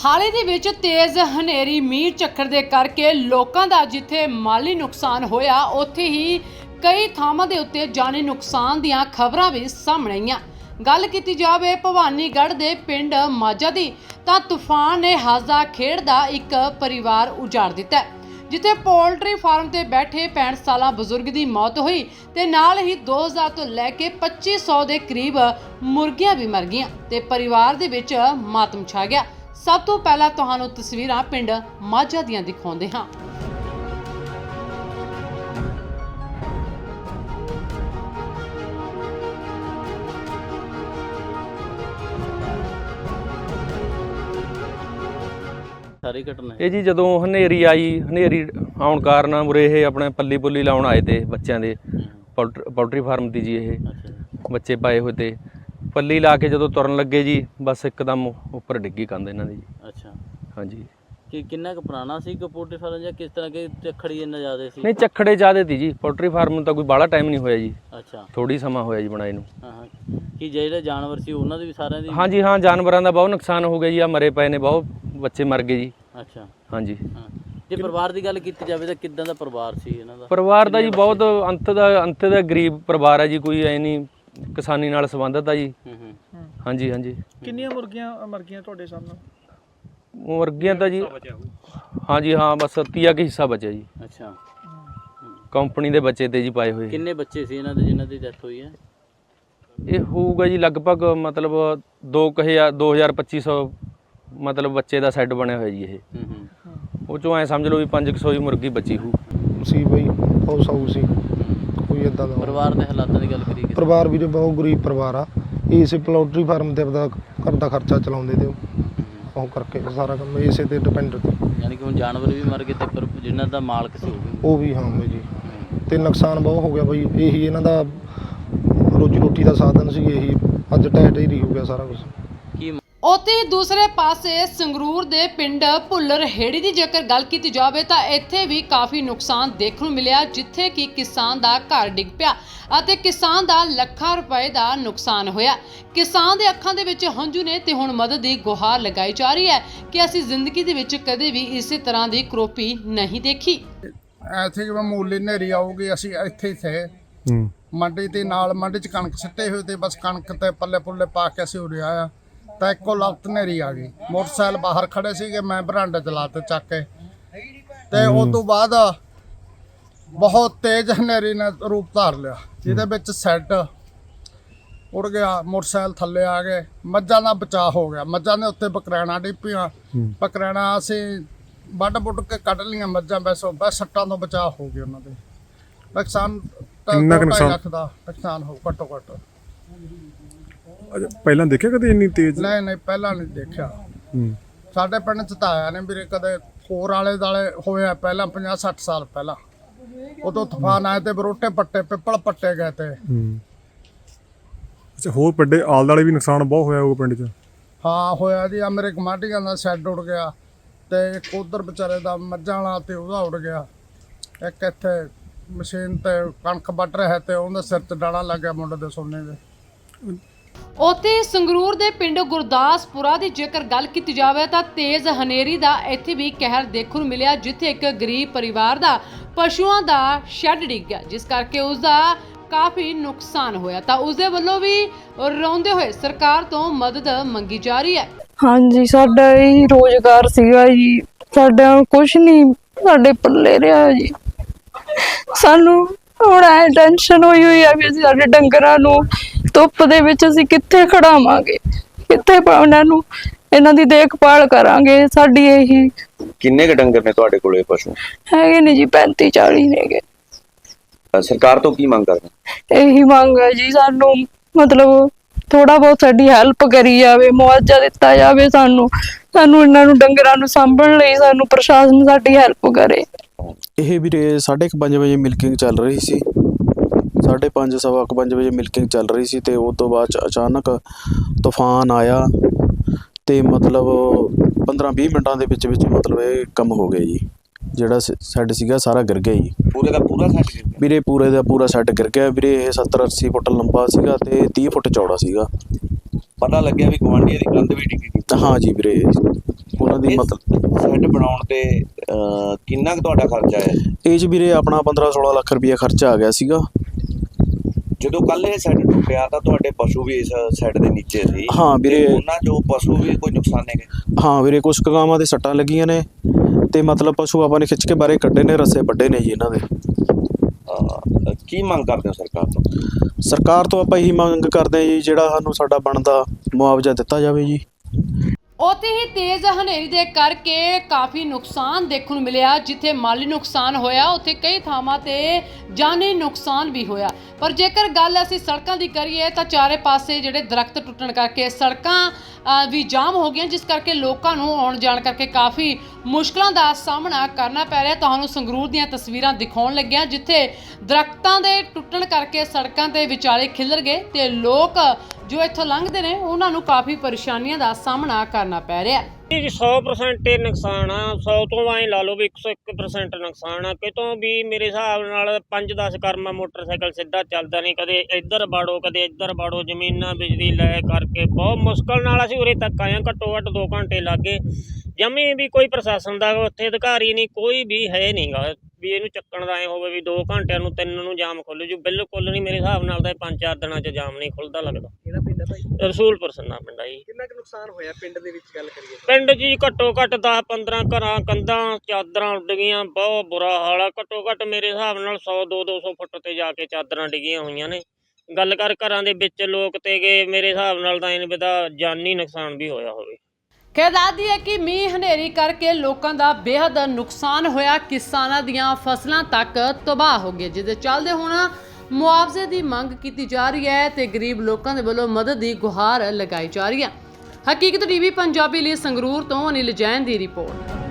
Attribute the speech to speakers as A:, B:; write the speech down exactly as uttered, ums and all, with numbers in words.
A: ਹਾਲ ਹੀ ਦੇ ਵਿੱਚ ਤੇਜ਼ ਹਨੇਰੀ ਮੀਂਹ ਝੱਖੜ ਦੇ ਕਰਕੇ ਲੋਕਾਂ ਦਾ ਜਿੱਥੇ ਮਾਲੀ ਨੁਕਸਾਨ ਹੋਇਆ ਉੱਥੇ ਹੀ ਕਈ ਥਾਵਾਂ ਦੇ ਉੱਤੇ ਜਾਨੀ ਨੁਕਸਾਨ ਦੀਆਂ ਖਬਰਾਂ ਵੀ ਸਾਹਮਣੇ ਆਈਆਂ। ਗੱਲ ਕੀਤੀ ਜਾਵੇ ਭਵਾਨੀਗੜ੍ਹ ਦੇ ਪਿੰਡ ਮਾਝਾ ਦੀ ਤਾਂ ਤੂਫਾਨ ਨੇ ਹੱਸਦਾ ਖੇਡਦਾ ਇੱਕ ਪਰਿਵਾਰ ਉਜਾੜ ਦਿੱਤਾ ਹੈ, ਜਿੱਥੇ ਪੋਲਟਰੀ ਫਾਰਮ ਤੇ ਬੈਠੇ ਪੈਂਹਠ ਸਾਲਾ ਬਜ਼ੁਰਗ ਦੀ ਮੌਤ ਹੋਈ ਤੇ ਨਾਲ ਹੀ ਦੋ ਹਜ਼ਾਰ ਤੋਂ ਲੈ ਕੇ ਪੱਚੀ ਸੌ ਦੇ ਕਰੀਬ ਮੁਰਗੀਆਂ ਵੀ ਮਰ ਗਈਆਂ ਤੇ ਪਰਿਵਾਰ ਦੇ ਵਿੱਚ ਮਾਤਮ ਛਾ ਗਿਆ। ਸਭ ਤੋਂ ਪਹਿਲਾਂ ਤੁਹਾਨੂੰ ਤਸਵੀਰਾਂ ਪਿੰਡ ਮਾਝਾ ਦੀਆਂ ਦਿਖਾਉਂਦੇ ਹਾਂ।
B: ਸਾਰੀ ਘਟਨਾ
C: ਇਹ ਜੀ ਜਦੋਂ ਹਨੇਰੀ ਆਈ, ਹਨੇਰੀ ਆਉਣ ਕਾਰਨ ਉਰੇ ਇਹ ਆਪਣੇ ਪੱਲੀ ਪੁੱਲੀ ਲਾਉਣ ਆਏ ਤੇ ਬੱਚਿਆਂ ਦੇ ਪੋਲਟਰੀ ਫਾਰਮ ਦੀ ਜੀ ਇਹ ਬੱਚੇ ਪਾਏ ਹੋਏ ਤੇ ਪੱਲੀ ਲਾ ਕੇ ਜਦੋਂ ਤੁਰਨ ਲੱਗੇ ਜੀ ਬਸ ਇੱਕਦਮ ਉੱਪਰ ਡਿੱਗੀ ਕੰਧ ਇਹਨਾਂ ਦੀ ਜੀ।
B: ਅੱਛਾ
C: ਹਾਂਜੀ।
B: ਕਿ ਕਿੰਨਾ ਕੁ ਪੁਰਾਣਾ ਸੀ ਕਿ ਪੋਲਟਰੀ ਫਾਰਮ ਜਾਂ ਕਿਸ ਤਰ੍ਹਾਂ ਕਿ ਝੱਖੜੀ ਇੰਨਾ ਜ਼ਿਆਦਾ ਸੀ?
C: ਨਹੀਂ, ਝੱਖੜੇ ਜ਼ਿਆਦੇ ਤੀ ਜੀ। ਪੋਲਟਰੀ ਫਾਰਮ ਨੂੰ ਤਾਂ ਕੋਈ ਬਾਹਲਾ ਟਾਈਮ ਨਹੀਂ ਹੋਇਆ ਜੀ।
B: ਅੱਛਾ,
C: ਥੋੜੀ ਸਮਾਂ ਹੋਇਆ ਜੀ ਬਣਾਏ ਨੂੰ।
B: ਹਾਂ ਹਾਂ। ਕਿ ਜਿਹੜੇ ਜਾਨਵਰ ਸੀ ਉਹਨਾਂ ਦੇ ਵੀ ਸਾਰਿਆਂ ਦੀ?
C: ਹਾਂਜੀ ਹਾਂ, ਜਾਨਵਰਾਂ ਦਾ ਬਹੁਤ ਨੁਕਸਾਨ ਹੋ ਗਿਆ ਜੀ। ਆ ਮਰੇ ਪਏ ਨੇ, ਬਹੁਤ ਬੱਚੇ ਮਰ ਗਏ ਜੀ।
B: ਅੱਛਾ
C: ਹਾਂਜੀ।
B: ਹਾਂ, ਜੇ ਪਰਿਵਾਰ ਦੀ ਗੱਲ ਕੀਤੀ ਜਾਵੇ ਤਾਂ ਕਿੱਦਾਂ ਦਾ ਪਰਿਵਾਰ ਸੀ ਇਹਨਾਂ ਦਾ?
C: ਪਰਿਵਾਰ ਦਾ ਜੀ ਬਹੁਤ ਅੰਤ ਦਾ ਅੰਤ ਦਾ ਗਰੀਬ ਪਰਿਵਾਰ ਹੈ ਜੀ। ਕੋਈ ਐ ਨਹੀਂ ਕਿਸਾਨੀ ਨਾਲ ਸੰਬੰਧਿਤ ਆ ਜੀ।
B: ਹੂੰ ਹੂੰ।
C: ਹਾਂਜੀ ਹਾਂਜੀ।
D: ਕਿੰਨੀਆਂ ਮੁਰਗੀਆਂ ਮਰ ਗਈਆਂ ਤੁਹਾਡੇ ਸਾਹਮਣੇ?
C: ਮੁਰਗੀਆਂ ਤਾਂ ਜੀ ਹਾਂਜੀ ਹਾਂ, ਬਸ ਤੀਆ ਕੁ ਹਿੱਸਾ ਬਚਿਆ ਜੀ।
B: ਅੱਛਾ।
C: ਕੰਪਨੀ ਦੇ ਬੱਚੇ ਤੇ ਜੀ ਪਾਏ ਹੋਏ।
B: ਕਿੰਨੇ ਬੱਚੇ ਸੀ ਇਹਨਾਂ ਦੇ ਜਿਨ੍ਹਾਂ ਦੀ ਡੈਥ ਹੋਈ ਹੈ?
C: ਇਹ ਹੋਊਗਾ ਜੀ ਲਗਭਗ ਮਤਲਬ ਦੋ ਕੁ ਹਜ਼ਾਰ ਦੋ ਹਜ਼ਾਰ ਪੱਚੀ ਸੌ ਮਤਲਬ ਬੱਚੇ ਦਾ ਸੈੱਟ ਬਣਿਆ ਹੋਇਆ ਜੀ ਇਹ।
B: ਹੂੰ ਹੂੰ।
C: ਉਹ ਚੋਂ ਐਂ ਸਮਝ ਲਓ ਵੀ ਪੰਜ ਕੁ ਸੌ ਹੀ ਮੁਰਗੀ ਬਚੀ ਹੋਊ
D: ਸੀ ਬਈ, ਬਹੁਤ ਸਾਊ ਸੀ। ਕੋਈ ਇਦਾਂ ਦਾ
B: ਪਰਿਵਾਰ ਦੇ ਹਾਲਾਤਾਂ ਦੀ ਗੱਲ ਕਰੀਏ?
D: ਪਰਿਵਾਰ ਵੀਰੇ ਬਹੁਤ ਗਰੀਬ ਪਰਿਵਾਰ ਆ। ਇਸੇ ਪੋਲਟਰੀ ਫਾਰਮ ਤੇ ਆਪਦਾ ਘਰ ਦਾ ਖਰਚਾ ਚਲਾਉਂਦੇ ਤੇ ਉਹ ਕਰਕੇ ਸਾਰਾ ਕੰਮ ਇਸੇ ਤੇ ਡਿਪੈਂਡ ਤੇ।
B: ਯਾਨੀ ਕਿ ਹੁਣ ਜਾਨਵਰ ਵੀ ਮਰ ਗਏ ਤੇ ਪਰ ਜਿਨ੍ਹਾਂ ਦਾ ਮਾਲਕ ਸੀ
D: ਉਹ ਵੀ ਹਾਂ ਬਈ ਜੀ। ਤੇ ਨੁਕਸਾਨ ਬਹੁਤ ਹੋ ਗਿਆ ਬਈ। ਇਹੀ ਇਹਨਾਂ ਦਾ ਰੋਜੀ ਰੋਟੀ ਦਾ ਸਾਧਨ ਸੀ। ਇਹੀ ਅੱਜ ਢਹਿ ਢੇਰੀ ਹੋ ਗਿਆ ਸਾਰਾ ਕੁਝ।
B: ਕੀ
A: ਉੱਥੇ ਦੂਸਰੇ ਪਾਸੇ ਸੰਗਰੂਰ ਦੇ ਪਿੰਡ ਭੁੱਲਰ ਹੇੜੀ ਦੀ ਜੇਕਰ ਗੱਲ ਕੀਤੀ ਜਾਵੇ ਤਾਂ ਇੱਥੇ ਵੀ ਕਾਫੀ ਨੁਕਸਾਨ ਦੇਖਣ ਨੂੰ ਮਿਲਿਆ, ਜਿੱਥੇ ਕਿ ਕਿਸਾਨ ਦਾ ਘਰ ਡਿੱਗ ਪਿਆ ਅਤੇ ਕਿਸਾਨ ਦਾ ਲੱਖਾਂ ਰੁਪਏ ਦਾ ਨੁਕਸਾਨ ਹੋਇਆ। ਕਿਸਾਨ ਦੇ ਅੱਖਾਂ ਦੇ ਵਿੱਚ ਹੰਝੂ ਨੇ ਤੇ ਹੁਣ ਮਦਦ ਦੀ ਗੁਹਾਰ ਲਗਾਈ ਜਾ ਰਹੀ ਹੈ ਕਿ ਅਸੀਂ ਜ਼ਿੰਦਗੀ ਦੇ ਵਿੱਚ ਕਦੇ ਵੀ ਇਸੇ ਤਰ੍ਹਾਂ ਦੀ ਕਰੋਪੀ ਨਹੀਂ ਦੇਖੀ।
E: ਐਥੇ ਜਿਵੇਂ ਮੂਲੀ ਨੇਰੀ ਆਊਗੀ, ਅਸੀਂ ਇੱਥੇ ਹੀ ਥੇ ਮੰਡੀ ਤੇ ਨਾਲ ਮੰਡੀ 'ਚ ਕਣਕ ਸਿੱਟੇ ਹੋਏ ਤੇ ਬਸ ਕਣਕ ਤੇ ਪੱਲੇ ਪੁੱਲੇ ਪਾ ਕੇ ਅਸੀਂ ਉਰੇ ਆਇਆ ਤਾਂ ਇੱਕੋ ਲਖਤ ਨੇਰੀ ਆ ਗਈ। ਮੋਟਰਸਾਈਕਲ ਬਾਹਰ ਖੜੇ ਸੀਗੇ, ਮੈਂ ਬਰਾਂਡੇ 'ਚ ਲਾ ਤੇ ਚੱਕ ਕੇ ਤੇ ਉਸ ਤੋਂ ਬਾਅਦ ਬਹੁਤ ਤੇਜ਼ ਹਨੇਰੀ ਨੇ ਰੂਪ ਧਾਰ ਲਿਆ, ਜਿਹਦੇ ਵਿੱਚ ਸੈੱਟ ਉੜ ਗਿਆ, ਮੋਟਰਸਾਈਕਲ ਥੱਲੇ ਆ ਗਏ। ਮੱਝਾਂ ਦਾ ਬਚਾਅ ਹੋ ਗਿਆ। ਮੱਝਾਂ ਦੇ ਉੱਤੇ ਬਕਰੈਣਾ ਡਿੱਪੀਆਂ, ਬਕਰੈਣਾ ਅਸੀਂ ਵੱਢ ਵੁੱਢ ਕੇ ਕੱਢ ਲਈਆਂ ਮੱਝਾਂ। ਬਸ ਬਸ ਸੱਟਾਂ ਤੋਂ ਬਚਾਅ ਹੋ ਗਿਆ। ਉਹਨਾਂ ਦੇ ਨੁਕਸਾਨ
F: ਕਿੰਨਾ ਕੁ ਨੁਕਸਾਨ?
E: ਲੱਖ ਦਾ ਨੁਕਸਾਨ ਹੋ ਘੱਟੋ ਘੱਟ।
F: ਪਹਿਲਾਂ ਦੇਖਿਆ ਕਦੇ ਇੰਨੀ ਤੇਜ਼?
E: ਨਹੀਂ ਨਹੀਂ, ਪਹਿਲਾਂ ਨਹੀਂ ਦੇਖਿਆ।
F: ਹੂੰ।
E: ਸਾਡੇ ਪਿੰਡ 'ਚ ਤਾਂ ਆਇਆ ਨਹੀਂ ਵੀਰੇ ਕਦੇ। ਹੋਰ ਆਲੇ ਦਾਲੇ ਹੋਇਆ ਪਹਿਲਾਂ ਪੰਜਾਹ ਸੱਠ ਸਾਲ ਪਹਿਲਾਂ। ਉਦੋਂ ਤੂਫਾਨ ਆਏ ਤੇ ਬਰੋਟੇ ਪੱਟੇ, ਪਿੱਪਲ ਪੱਟੇ ਗਏ ਤੇ।
F: ਹੂੰ। ਅੱਛਾ, ਹੋਰ ਵੱਡੇ ਆਲੇ ਦੁਆਲੇ ਵੀ ਨੁਕਸਾਨ ਬਹੁਤ ਹੋਇਆ ਉਹ ਪਿੰਡ 'ਚ?
E: ਹਾਂ ਹੋਇਆ ਜੀ। ਆ ਮੇਰੇ ਗੁਆਂਢੀਆਂ ਦਾ ਸ਼ੈੱਡ ਉੱਡ ਗਿਆ ਤੇ ਇੱਕ ਉਧਰ ਵਿਚਾਰੇ ਦਾ ਮੱਝਾਂ ਵਾਲਾ ਤੇ ਉਹਦਾ ਉੱਡ ਗਿਆ। ਇੱਕ ਇੱਥੇ ਮਸ਼ੀਨ ਤੇ ਕਣਕ ਵੱਢ ਰਿਹਾ ਤੇ ਉਹਦੇ ਸਿਰ 'ਚ ਡਾਣਾ ਲੱਗ ਗਿਆ ਮੁੰਡੇ ਦੇ ਸੋਨੇ ਦੇ।
A: ਉੱਥੇ ਸੰਗਰੂਰ ਦੇ ਪਿੰਡ ਗੁਰਦਾਸਪੁਰਾ ਦੀ ਜੇਕਰ ਗੱਲ ਕੀਤੀ ਜਾਵੇ ਤਾਂ ਤੇਜ਼ ਹਨੇਰੀ ਦਾ ਇੱਥੇ ਵੀ ਕਹਿਰ ਦੇਖਣ ਨੂੰ ਮਿਲਿਆ, ਜਿੱਥੇ ਇੱਕ ਗਰੀਬ ਪਰਿਵਾਰ ਦਾ ਪਸ਼ੂਆਂ ਦਾ ਸ਼ੈੱਡ ਡਿੱਗ ਗਿਆ, ਜਿਸ ਕਰਕੇ ਉਸ ਦਾ ਕਾਫੀ ਨੁਕਸਾਨ ਹੋਇਆ ਤਾਂ ਉਸ ਦੇ ਵੱਲੋਂ ਵੀ ਰੋਂਦੇ ਹੋਏ ਸਰਕਾਰ ਤੋਂ ਮਦਦ ਮੰਗੀ ਜਾ ਰਹੀ ਹੈ।
G: ਹਾਂਜੀ, ਸਾਡਾ ਇਹ ਰੋਜ਼ਗਾਰ ਸੀਗਾ ਜੀ, ਸਾਡਾ ਕੁਛ ਨਹੀਂ ਸਾਡੇ ਪੱਲੇ ਰਿਹਾ ਜੀ। ਸਾਨੂੰ ਹੁਣ ਐ ਟੈਨਸ਼ਨ ਹੋਈ ਹੋਈ ਆ ਵੀ ਅਸੀਂ ਸਾਡੇ ਡੰਗਰਾਂ ਨੂੰ ਧੁੱਪ ਦੇ ਵਿੱਚ ਅਸੀਂ ਕਿੱਥੇ ਖੜਾਵਾਂਗੇ, ਕਿੱਥੇ ਉਹਨਾਂ ਨੂੰ ਇਹਨਾਂ ਦੀ ਦੇਖਭਾਲ ਕਰਾਂਗੇ। ਸਾਡੀ ਇਹੀ।
H: ਕਿੰਨੇ ਕੁ ਡੰਗਰ ਨੇ ਤੁਹਾਡੇ ਕੋਲੇ ਪਸ਼ੂ?
G: ਹੈਗੇ ਨੇ ਜੀ ਪੈਂਤੀ ਚਾਲੀ ਨੇਗੇ।
H: ਸਰਕਾਰ ਤੋਂ ਕੀ ਮੰਗ ਕਰਦੇ?
G: ਇਹੀ ਮੰਗ ਹੈ ਜੀ, ਸਾਨੂੰ ਮਤਲਬ ਥੋੜਾ ਬਹੁਤ ਸਾਡੀ ਹੈਲਪ ਕਰੀ ਜਾਵੇ, ਮੁਆਵਜ਼ਾ ਦਿੱਤਾ ਜਾਵੇ ਸਾਨੂੰ। ਸਾਨੂੰ ਇਹਨਾਂ ਨੂੰ ਡੰਗਰਾਂ ਨੂੰ ਸਾਂਭਣ ਲਈ ਸਾਨੂੰ ਪ੍ਰਸ਼ਾਸਨ ਸਾਡੀ ਹੈਲਪ ਕਰੇ।
I: ਇਹ ਵੀਰੇ ਸਾਢੇ ਕੁ ਪੰਜ ਵਜੇ ਮਿਲਕਿੰਗ ਚੱਲ ਰਹੀ ਸੀ। ਸਾਢੇ ਪੰਜ ਸਵਾ ਕੁ ਪੰਜ ਵਜੇ ਮਿਲਕਿੰਗ ਚੱਲ ਰਹੀ ਸੀ ਤੇ ਉਸ ਤੋਂ ਬਾਅਦ 'ਚ ਅਚਾਨਕ ਤੂਫਾਨ ਆਇਆ ਤੇ ਮਤਲਬ ਪੰਦਰਾਂ ਵੀਹ ਮਿੰਟਾਂ ਦੇ ਵਿੱਚ ਵਿੱਚ ਮਤਲਬ ਇਹ ਕੰਮ ਹੋ ਗਿਆ ਜੀ। ਜਿਹੜਾ ਸੈੱਡ ਸੀਗਾ ਸਾਰਾ ਗਿਰ ਗਿਆ ਜੀ।
H: ਪੂਰੇ ਦਾ ਪੂਰਾ ਸੈੱਟ ਗਿਰ ਗਿਆ
I: ਵੀਰੇ? ਪੂਰੇ ਦਾ ਪੂਰਾ ਸੈੱਡ ਗਿਰ ਗਿਆ ਵੀਰੇ। ਇਹ ਸੱਤਰ ਅੱਸੀ ਫੁੱਟ ਲੰਬਾ ਸੀਗਾ ਤੇ ਤੀਹ ਫੁੱਟ ਚੌੜਾ ਸੀਗਾ।
H: ਪਤਾ ਲੱਗਿਆ ਵੀ ਗੁਆਂਢੀਆਂ ਦੀ ਕੰਧ ਵੀ ਡਿੱਗੀ ਗਈ।
I: ਹਾਂ ਜੀ ਵੀਰੇ, ਉਹਨਾਂ ਦੀ
H: ਇਸ
I: ਮਤਲਬ
H: ਸ਼ੈੱਡ ਬਣਾਉਣ ਤੇ ਅਹ, ਕਿੰਨਾ ਕੁ ਤੁਹਾਡਾ ਖਰਚਾ ਆਇਆ?
I: ਇਹ 'ਚ ਵੀਰੇ ਆਪਣਾ ਪੰਦਰਾਂ ਸੋਲਾਂ ਲੱਖ ਰੁਪਈਆ ਖਰਚਾ ਆ ਗਿਆ ਸੀਗਾ।
H: ਜਦੋਂ ਕੱਲ ਇਹ ਸ਼ੈੱਡ ਟੁੱਟਿਆ ਤਾਂ ਤੁਹਾਡੇ ਪਸ਼ੂ ਵੀ ਇਸ ਸ਼ੈੱਡ ਦੇ ਨੀਚੇ ਸੀ।
I: ਹਾਂ ਵੀਰੇ।
H: ਤੇ ਉਹਨਾਂ ਜੋ ਪਸ਼ੂ ਵੀ ਕੋਈ ਨੁਕਸਾਨੇ ਗਏ?
I: ਹਾਂ ਵੀਰੇ, ਕੁਛ ਕੁ ਗਾਵਾਂ ਦੇ ਸੱਟਾਂ ਲੱਗੀਆਂ ਨੇ ਤੇ ਮਤਲਬ ਪਸ਼ੂ ਆਪਾਂ ਨੇ ਖਿੱਚ ਕੇ ਬਾਹਰੇ ਕੱਢੇ ਨੇ, ਰੱਸੇ ਵੱਡੇ ਨੇ ਜੀ ਇਹਨਾਂ ਦੇ।
H: ਅਹ, ਕੀ ਮੰਗ ਕਰਦੇ ਹੋ ਸਰਕਾਰ ਤੋਂ?
I: ਸਰਕਾਰ ਤੋਂ ਆਪਾਂ ਇਹੀ ਮੰਗ ਕਰਦੇ ਹਾਂ ਜੀ, ਜਿਹੜਾ ਸਾਨੂੰ ਸਾਡਾ ਬਣਦਾ ਮੁਆਵਜ਼ਾ ਦਿੱਤਾ ਜਾਵੇ ਜੀ।
A: ਉੱਥੇ ਹੀ ਤੇਜ਼ ਹਨੇਰੀ ਦੇ ਕਰਕੇ ਕਾਫੀ ਨੁਕਸਾਨ ਦੇਖਣ ਨੂੰ ਮਿਲਿਆ। ਜਿੱਥੇ ਮਾਲੀ ਨੁਕਸਾਨ ਹੋਇਆ ਉੱਥੇ ਕਈ ਥਾਵਾਂ ਤੇ ਜਾਨੀ ਨੁਕਸਾਨ ਵੀ ਹੋਇਆ। ਪਰ ਜੇਕਰ ਗੱਲ ਅਸੀਂ ਸੜਕਾਂ ਦੀ ਕਰੀਏ ਤਾਂ ਚਾਰੇ ਪਾਸੇ ਜਿਹੜੇ ਦਰਖਤ ਟੁੱਟਣ ਕਰਕੇ ਸੜਕਾਂ ਅ, ਵੀ ਜਾਮ ਹੋ ਗਈਆਂ, ਜਿਸ ਕਰਕੇ ਲੋਕਾਂ ਨੂੰ ਆਉਣ ਜਾਣ ਕਰਕੇ ਕਾਫੀ ਮੁਸ਼ਕਲਾਂ ਦਾ ਸਾਹਮਣਾ ਕਰਨਾ ਪੈ ਰਿਹਾ। ਤੁਹਾਨੂੰ ਸੰਗਰੂਰ ਦੀਆਂ ਤਸਵੀਰਾਂ ਦਿਖਾਉਣ ਲੱਗਿਆ, ਜਿੱਥੇ ਦਰਖਤਾਂ ਦੇ ਟੁੱਟਣ ਕਰਕੇ ਸੜਕਾਂ ਤੇ ਵਿਚਾਲੇ ਖਿਲਰ ਗਏ ਤੇ ਲੋਕ ਜੋ ਇੱਥੋਂ ਲੰਘਦੇ ਨੇ ਉਹਨਾਂ ਨੂੰ ਕਾਫੀ ਪਰੇਸ਼ਾਨੀਆਂ ਦਾ ਸਾਹਮਣਾ ਕਰਨਾ ਪੈ ਰਿਹਾ।
J: ਜੀ ਸੌ ਪਰਸੈਂਟ ਇਹ ਨੁਕਸਾਨ ਆ, ਸੌ ਤੋਂ ਐਂ ਲਾ ਲਓ ਵੀ ਇੱਕ ਸੌ ਇੱਕ ਪਰਸੈਂਟ ਨੁਕਸਾਨ ਆ। ਕਿਤੋਂ ਵੀ ਮੇਰੇ ਹਿਸਾਬ ਨਾਲ ਪੰਜ ਦਸ ਕਰਮਾ ਮੋਟਰਸਾਈਕਲ ਸਿੱਧਾ ਚੱਲਦਾ ਨਹੀਂ, ਕਦੇ ਇੱਧਰ ਬਾੜੋ ਕਦੇ ਇੱਧਰ ਬਾੜੋ, ਜ਼ਮੀਨਾਂ ਬਿਜਲੀ ਲੈ ਕਰਕੇ ਬਹੁਤ ਮੁਸ਼ਕਲ ਨਾਲ ਅਸੀਂ ਉਰੇ ਤੱਕ ਆਏ ਹਾਂ। ਘੱਟੋ ਘੱਟ ਦੋ ਘੰਟੇ ਲੱਗ ਗਏ। ਜਮੀ ਵੀ ਕੋਈ ਪ੍ਰਸ਼ਾਸਨ ਦਾ ਉੱਥੇ ਅਧਿਕਾਰੀ ਨਹੀਂ, ਕੋਈ ਵੀ ਹੈ ਨਹੀਂ ਗਾ ਵੀ ਇਹਨੂੰ ਚੱਕਣ ਦਾ ਐਂ ਹੋਵੇ ਵੀ ਦੋ ਘੰਟਿਆਂ ਨੂੰ ਤਿੰਨ ਨੂੰ ਜਾਮ ਖੁੱਲ੍ਹ ਜੂ। ਬਿਲਕੁਲ ਨਹੀਂ, ਮੇਰੇ ਹਿਸਾਬ ਨਾਲ ਤਾਂ ਇਹ ਪੰਜ ਚਾਰ ਦਿਨਾਂ 'ਚ ਜਾਮ ਨਹੀਂ ਖੁੱਲ੍ਹਦਾ ਲੱਗਦਾ।
K: ਕਿਹੜਾ ਪਿੰਡ ਹੈ ਭਾਈ?
J: ਰਸੂਲਪੁਰ ਸੰਨਾ ਪਿੰਡ ਆ ਜੀ।
K: ਕਿੰਨਾ ਕੁ ਨੁਕਸਾਨ ਹੋਇਆ ਪਿੰਡ ਦੇ ਵਿੱਚ ਗੱਲ ਕਰੀਏ?
J: ਪਿੰਡ 'ਚ ਜੀ ਘੱਟੋ ਘੱਟ ਦਸ ਪੰਦਰਾਂ ਘਰਾਂ ਕੰਧਾਂ ਚਾਦਰਾਂ ਉੱਡ ਗਈਆਂ, ਬਹੁਤ ਬੁਰਾ ਹਾਲ ਆ। ਘੱਟੋ ਘੱਟ ਮੇਰੇ ਹਿਸਾਬ ਨਾਲ ਸੌ ਦੋ ਦੋ ਸੌ ਫੁੱਟ ਤੇ ਜਾ ਕੇ ਚਾਦਰਾਂ ਡਿੱਗੀਆਂ ਹੋਈਆਂ ਨੇ। ਗੱਲ ਕਰ ਘਰਾਂ ਦੇ ਵਿੱਚ ਲੋਕ ਤੇ ਗਏ, ਮੇਰੇ ਹਿਸਾਬ ਨਾਲ ਤਾਂ ਇਹਨੇ ਦਾ ਜਾਨੀ ਨੁਕਸਾਨ ਵੀ ਹੋਇਆ ਹੋਵੇ।
A: ਕਹਿ ਦੱਸਦੀ ਹੈ ਕਿ ਮੀਂਹ ਹਨੇਰੀ ਕਰਕੇ ਲੋਕਾਂ ਦਾ ਬੇਹੱਦ ਨੁਕਸਾਨ ਹੋਇਆ, ਕਿਸਾਨਾਂ ਦੀਆਂ ਫਸਲਾਂ ਤੱਕ ਤਬਾਹ ਹੋ ਗਈਆਂ, ਜਿਹਦੇ ਚੱਲਦੇ ਹੁਣ ਮੁਆਵਜ਼ੇ ਦੀ ਮੰਗ ਕੀਤੀ ਜਾ ਰਹੀ ਹੈ ਤੇ ਗਰੀਬ ਲੋਕਾਂ ਦੇ ਵੱਲੋਂ ਮਦਦ ਦੀ ਗੁਹਾਰ ਲਗਾਈ ਜਾ ਰਹੀ ਹੈ। ਹਕੀਕਤ ਟੀਵੀ ਪੰਜਾਬੀ ਲਈ ਸੰਗਰੂਰ ਤੋਂ ਅਨਿਲ ਜੈਨ ਦੀ ਰਿਪੋਰਟ।